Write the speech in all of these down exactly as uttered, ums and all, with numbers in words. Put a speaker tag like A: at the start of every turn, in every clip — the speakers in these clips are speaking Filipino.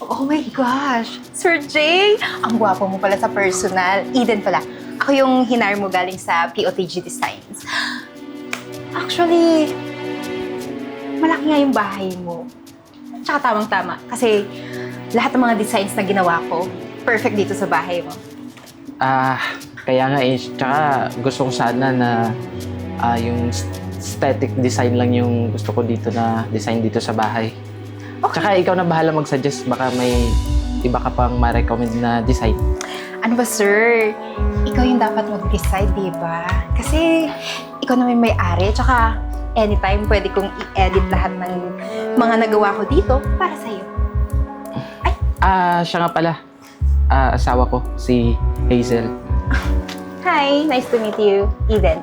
A: Oh my gosh! Sir Jay! Ang gwapo mo pala sa personal. Eden pala. Ako yung hinar mo galing sa P O T G Designs. Actually, malaki nga yung bahay mo. Tsaka tamang-tama. Kasi lahat ng mga designs na ginawa ko, perfect dito sa bahay mo.
B: Ah, kaya nga eh. Tsaka gusto ko sana na ah, yung aesthetic design lang yung gusto ko dito na design dito sa bahay.
A: Okay.
B: Tsaka ikaw na bahala mag-suggest. Baka may iba ka pang ma-recommend na design.
A: Ano ba, sir? Ikaw yung dapat mag-decide, di ba? Kasi ikaw naman may-ari, tsaka anytime pwede kong i-edit lahat ng mga nagawa ko dito para sa'yo. Ay!
B: Ah, siya nga pala. Ah, asawa ko, si Hazel.
A: Hi! Nice to meet you, Eden.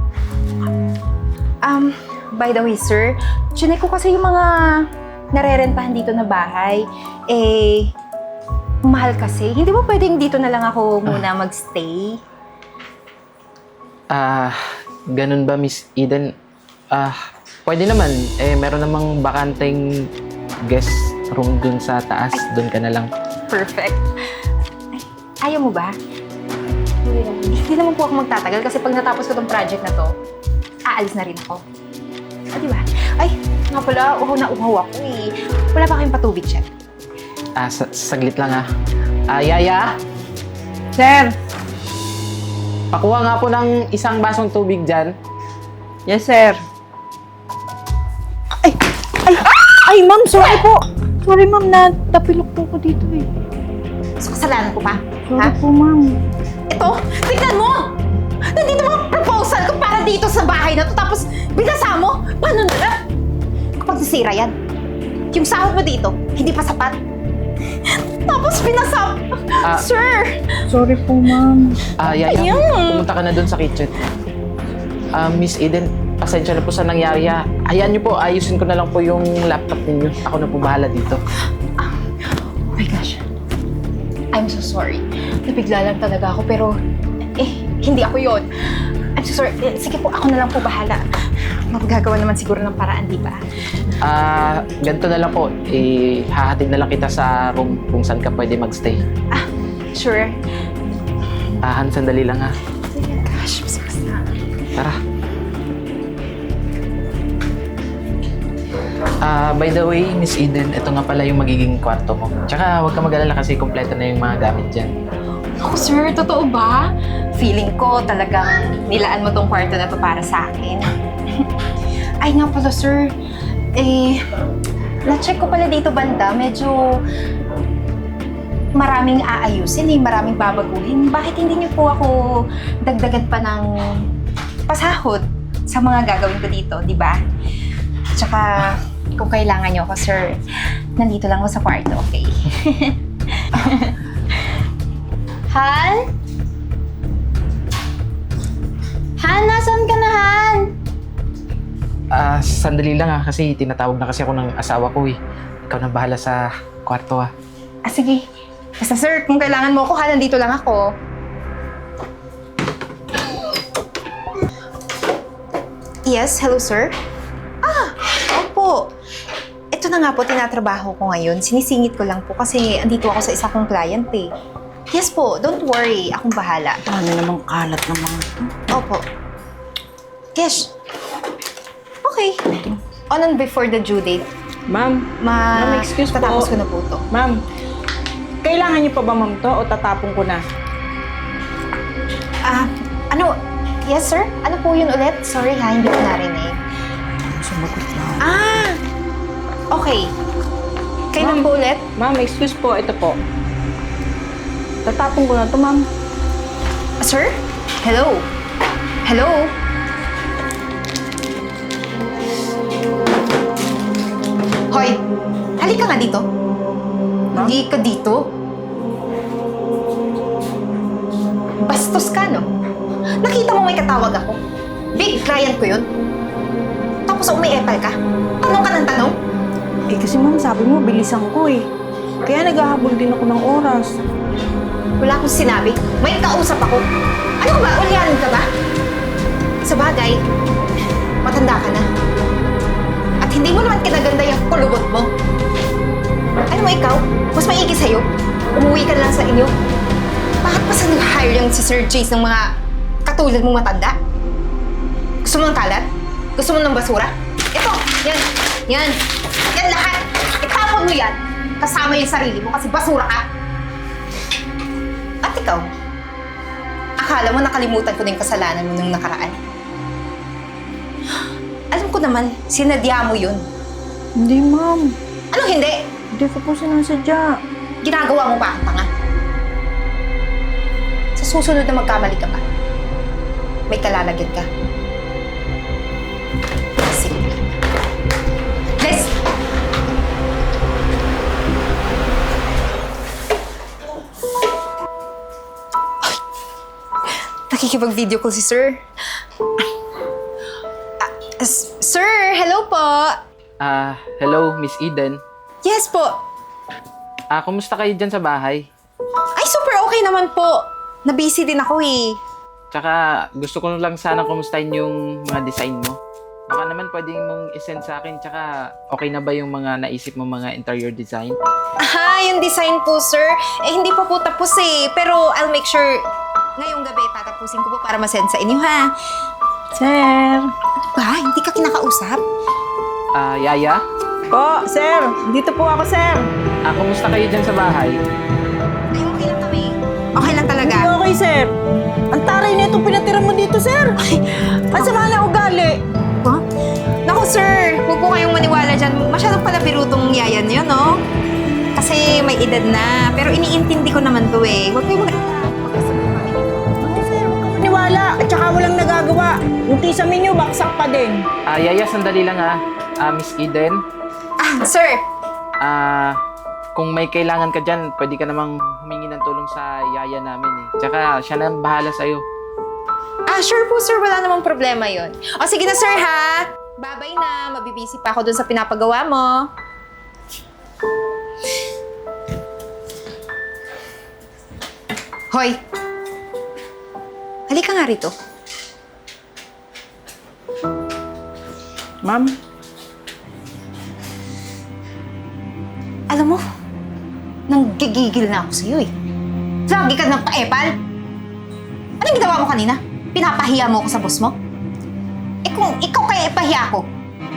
A: Um, by the way, sir, chinek ko kasi yung mga narerentahan dito na bahay. Eh, mahal kasi. Hindi ba pwedeng dito na lang ako muna magstay?
B: Ah, ganun ba, Miss Eden? Ah, pwede naman. Eh, meron namang bakanteng guest room dun sa taas. Dun ka na lang.
A: Perfect. Ay, ayaw mo ba? Hindi naman po ako magtatagal kasi pag natapos ko tong project na to, aalis na rin ako. Ah, di ba? Ay, nga pala, uhaw na uhaw ako eh. Wala pa kayong patubig, chef.
B: Ah, sa saglit lang ah. Ah, Yaya?
C: Sir!
B: Pakuha nga po ng isang basong tubig dyan.
C: Yes, sir. Ay! Ay! Ay, ma'am, sorry po. Sorry, ma'am, natapilok po ko dito eh.
A: So, kasalanan ko pa?
C: Sorry
A: Ha?
C: po, ma'am.
A: Ito, tignan mo! Nandito mga proposal ko para dito sa bahay na to, tapos binasa mo? Paano na? Kapag nasira yan, yung sahod mo dito, hindi pa sapat. Tapos binasa...
B: Ah.
A: Sir!
C: Sorry po, ma'am.
B: Ah, Yaya,
A: Ayun.
B: pumunta ka na dun sa kitchen. Ah, Miss Eden, pasensya na po sa nangyari ah. Hayaan niyo po, ayusin ko na lang po yung laptop ninyo. Ako na po bahala dito.
A: Oh my gosh. I'm so sorry. Nabigla lang talaga ako, pero eh, hindi ako yon. I'm so sorry. Eh, sige po, ako na lang po bahala. Magagawa naman siguro ng paraan, di ba?
B: Ah, ganito na lang po. Eh, hahatid na lang kita sa room kung saan ka pwede magstay.
A: Ah, sure.
B: Ah, Han, sandali lang ha.
A: Oh my gosh, mas na.
B: Tara. Ah, by the way, Miss Eden, ito nga pala yung magiging kwarto mo. Tsaka huwag ka mag-alala kasi kompleto na yung mga gamit dyan.
A: Ako, sir, totoo ba? Feeling ko talagang nilaan mo tong kwarto na to para sa akin. Ay nga pala, sir. Eh, na-check ko pala dito banda. Medyo maraming aayusin eh, maraming babaguhin. Bakit hindi niyo po ako dagdagan pa ng pasahod sa mga gagawin ko dito, di ba? Tsaka, kung kailangan niyo ako, sir, nandito lang ako sa kwarto, okay? Han? Han, nasan ka na, Han?
B: Ah, sandali lang ha, kasi tinatawag na kasi ako ng asawa ko eh. Ikaw na bahala sa kwarto ha.
A: Ah, sige. Basta, sir, kung kailangan mo ako, ha, nandito lang ako. Yes, hello, sir? Ah, opo. Ito na nga po, tinatrabaho ko ngayon. Sinisingit ko lang po kasi andito ako sa isa kong client eh. Yes po, don't worry. Akong bahala.
C: Ano namang kalat ng mga...
A: Opo. Kesh. Okay. On and before the due date,
C: Ma'am,
A: ma...
C: Ma'am, excuse po.
A: tatapos ko na po to.
C: ma'am, kailangan niyo pa ba, ma'am, to o tatapon ko na?
A: Ah, ano? Yes, sir? Ano po yun ulit? Sorry ha, hindi ko narinig.
C: Sumagot na.
A: Ah! Okay. Kailan
C: Ma'am.
A: po ulit?
C: Ma'am, excuse po, ito po. Tatapon ko na to, ma'am.
A: Ah, sir? Hello? Hello? Hoy! Halika nga dito. Hindi ka dito. Bastos ka, no? Nakita mo may katawag ako. Big client ko yun. Tapos umiepal ka. Tanong ka ng tanong.
C: Eh kasi ma'am, sabi mo, bilisan ko eh. Kaya naghahabol din ako ng oras.
A: Wala akong sinabi. May kausap ako. Ano ba? Ulyanin ka ba? Sa bagay, matanda ka na. At hindi mo naman kinaganda yung kulubot mo. Ano mo ikaw? Mas may chase ng mga katulad mong matanda? Gusto mo ng kalat? Gusto mo ng basura? Ito, yan, yan, yan lahat. Itapon mo yan, kasama yung sarili mo kasi basura ka. At ikaw, akala mo nakalimutan ko na yung kasalanan mo nung nakaraan? Alam ko naman, sinadya mo yun.
C: Hindi, ma'am.
A: Anong hindi?
C: Hindi ko po sinasadya.
A: Ginagawa mo pa ang tanga. Sa susunod na magkamali ka pa, may kalalagyan ka. Sige. Let's... Ay! Nakikipag-video call si Sir. Ah, s- sir, hello po.
B: Ah, hello, Miss Eden.
A: Yes po.
B: Ah, kumusta kayo dyan sa bahay?
A: Ay, super okay naman po. Na-busy din ako eh.
B: Tsaka, gusto ko lang sana kumustahin yung mga design mo. Baka naman pwedeng mong isend sa akin, tsaka okay na ba yung mga naisip mo mga interior design?
A: Ah, yung design po, sir. Eh, hindi pa po tapos eh. Pero I'll make sure ngayong gabi tatapusin ko po para masend sa inyo, ha?
C: Sir.
A: Ba, hindi ka kinakausap?
B: Ah, Yaya?
C: Po, sir. Dito po ako, sir.
B: Ah, kumusta kayo dyan sa bahay?
A: Ay, okay lang kami. Okay lang talaga.
C: Hindi okay, sir. Ang taray na itong pinatira mo dito, sir. Ang sama na ugali.
A: Ha? Naku, sir. Huwag po kayong maniwala dyan. Masyadong pala birutong yayan yun, no? Kasi may edad na. Pero iniintindi ko naman to eh. Huwag kayong mag-alala. Magkasabay kami nito.
C: Ako, sir. Huwag ka maniwala. At saka walang nagagawa. Yung tisamin nyo, baksak pa din.
B: Ah, Yaya, sandali lang ah. Ah, Miss Eden?
A: Ah, sir.
B: Ah, kung may kailangan ka dyan, pwede ka namang humingi ng tulong sa Yaya namin eh. Tsaka, siya na ang bahala sa'yo.
A: Ah, sure po, sir. Wala namang problema yon. O, sige na, sir, ha? Babay na. Mabibisi pa ako dun sa pinapagawa mo. Hoy! Halika nga rito.
C: Ma'am.
A: Alam mo, nanggigigil na ako sa'yo eh. Lagi ka ng paepal. Anong ginawa mo kanina? Pinapahiya mo ako sa boss mo? Eh kung ikaw kaya ipahiya ko,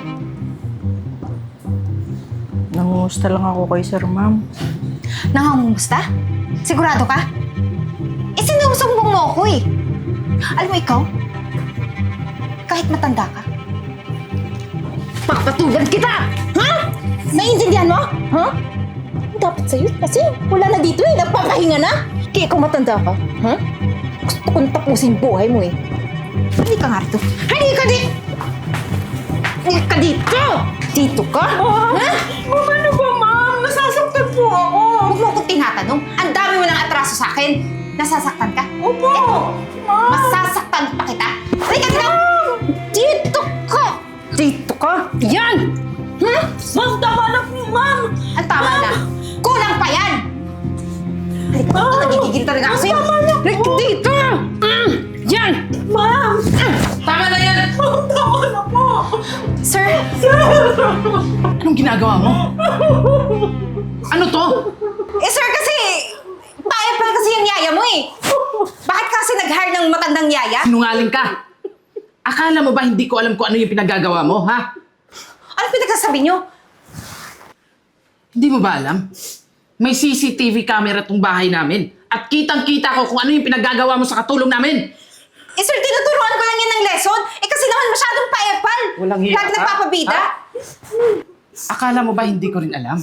C: Nangumusta lang ako kay sir, ma'am.
A: nangangumusta? Sigurado ka? Eh sinusumbong mo ako eh. Alam mo ikaw, kahit matanda ka, papatulan kita! Ha? Naiintindihan mo? Ha? Dapat sa'yo kasi wala na dito eh. Nagpapahinga na. Kaya ikaw matanda ka. Ha? Gusto kong tapusin buhay mo eh. Hindi ka nga rito. Hindi ka dito! Hindi ka dito! Dito ka? Ha?
C: Ano ba, ma'am? Nasasaktan po ako.
A: Huwag mo akong tinatanong. Ang dami mo ng atraso sa akin. Nasasaktan ka?
C: Opo.
A: Eto,
C: Ma'am.
A: masasaktan pa kita. Halika dito! Dito ka! Dito ka! Yan! Hmm?
C: Ma'am, tama na po, ma'am.
A: Ang tama na. Kulang pa yan! Halika dito, nagigigil talaga ako sa'yo. Halika dito! Mm, yan!
C: Ma'am.
B: Tama na yan!
C: Tama na po.
A: Sir,
B: Anong ginagawa mo? Ano to?
A: eh sir kasi, paepal kasi yung yaya mo eh. Bakit kasi nag-hire ng matandang yaya?
D: Sinungaling ka! Akala mo ba hindi ko alam kung ano yung pinagagawa mo, ha?
A: Ano pinagsasabi niyo?
D: Hindi mo ba alam? May C C T V camera tong bahay namin. At kitang-kita ko kung ano yung pinagagawa mo sa katulong namin.
A: Eh sir, tinuturuan ko lang yan ng lesson. Eh kasi naman masyadong paepal.
D: Walang hiya
A: Lagi
D: ka?
A: nagpapabida.
D: Ha? Akala mo ba hindi ko rin alam?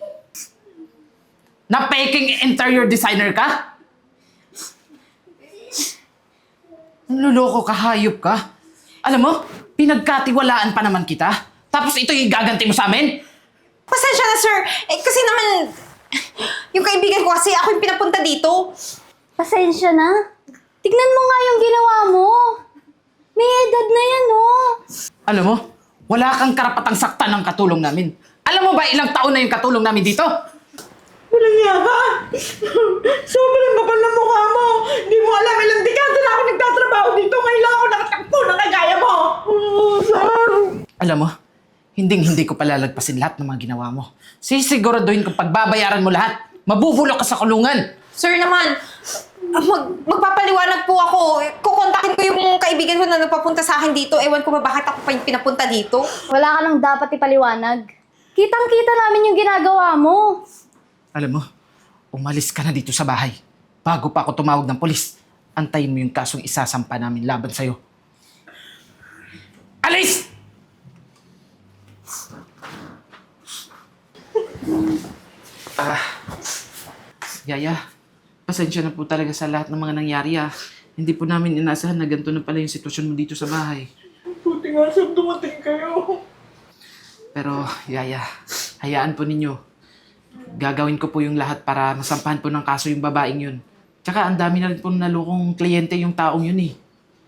D: Na peking interior designer ka? Naluloko ka, hayop ka. Alam mo, pinagkatiwalaan pa naman kita. Tapos ito yung gaganti mo sa amin?
A: Pasensya na sir. Eh kasi naman, yung kaibigan ko kasi ako yung pinapunta dito.
E: Pasensya na. Tignan mo nga yung ginawa mo. May edad na yan, oh.
D: Alam mo, wala kang karapatang saktan ng katulong namin. Alam mo ba ilang taon na yung katulong namin dito?
C: Walang niya ka. Sobrang kapal na mukha mo. Hindi mo alam, ilang dekada na ako nagtatrabaho dito. Ngayon lang ako nakatakbo na kagaya mo. Oh, sir.
D: Alam mo, hinding-hindi ko palalagpasin lahat ng mga ginawa mo. Sisiguraduhin kong pagbabayaran mo lahat. Mabubulok ka sa kulungan.
A: Sir naman, Ah, Mag, magpapaliwanag po ako. Kukontakin ko yung kaibigan ko na nagpapunta sa akin dito. Ewan ko ba bakit ako pa yung pinapunta dito?
E: Wala ka nang dapat ipaliwanag. Kitang-kita namin yung ginagawa mo.
D: Alam mo, umalis ka na dito sa bahay. Bago pa ako tumawag ng polis, antayin mo yung kasong isasampa namin laban sa'yo. Alis! Ah, Yaya, pasensya na po talaga sa lahat ng mga nangyari ah. Hindi po namin inasahan na ganito na pala yung sitwasyon mo dito sa bahay.
C: Buti nga sir, dumating kayo.
D: Pero, Yaya, hayaan po ninyo. Gagawin ko po yung lahat para masampahan po ng kaso yung babaeng yun. Tsaka ang dami na rin po nalukong kliyente yung taong yun eh.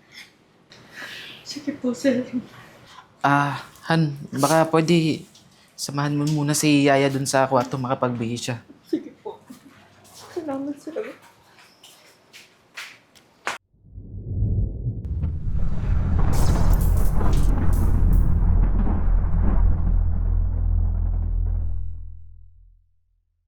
C: Sige po sir.
D: Ah, Han, baka pwede samahan mo muna si Yaya dun sa kwarto makapagbihis siya.
C: Sige po. Salamat sir.